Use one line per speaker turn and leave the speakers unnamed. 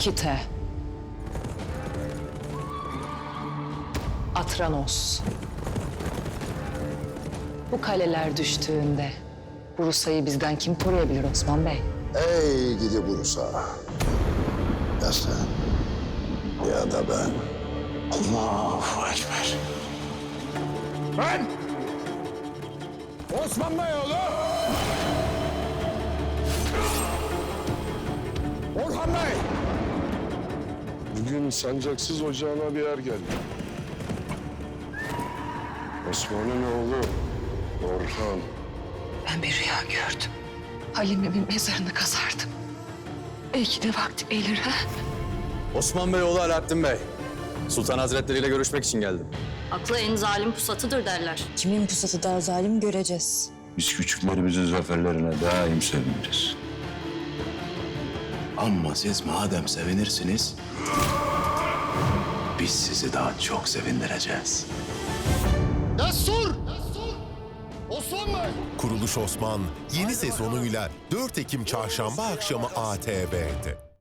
Nikite. Atranos. Bu kaleler düştüğünde Bursa'yı bizden kim koruyabilir Osman Bey?
Ey gidi Bursa. Ya sen ya da ben. Allahu Ekber.
Ben Osman Beyoğlu Orhan Bey.
Bugün sancaksız ocağına bir yer geldi. Osman'ın oğlu Orhan.
Ben bir rüya gördüm. Halime'min mezarını kazardım. Belki de vakti gelir ha?
Osman Bey oğlu Alaaddin Bey. Sultan Hazretleri ile görüşmek için geldim.
Aklı en zalim pusatıdır derler.
Kimin pusatı daha zalim göreceğiz.
Biz küçüklerimizin zaferlerine daim seviniriz.
Ama siz madem sevinirsiniz, biz sizi daha çok sevindireceğiz.
Destur! Osman Bey!
Kuruluş Osman yeni sezonuyla 4 Ekim Çarşamba akşamı ATV'de.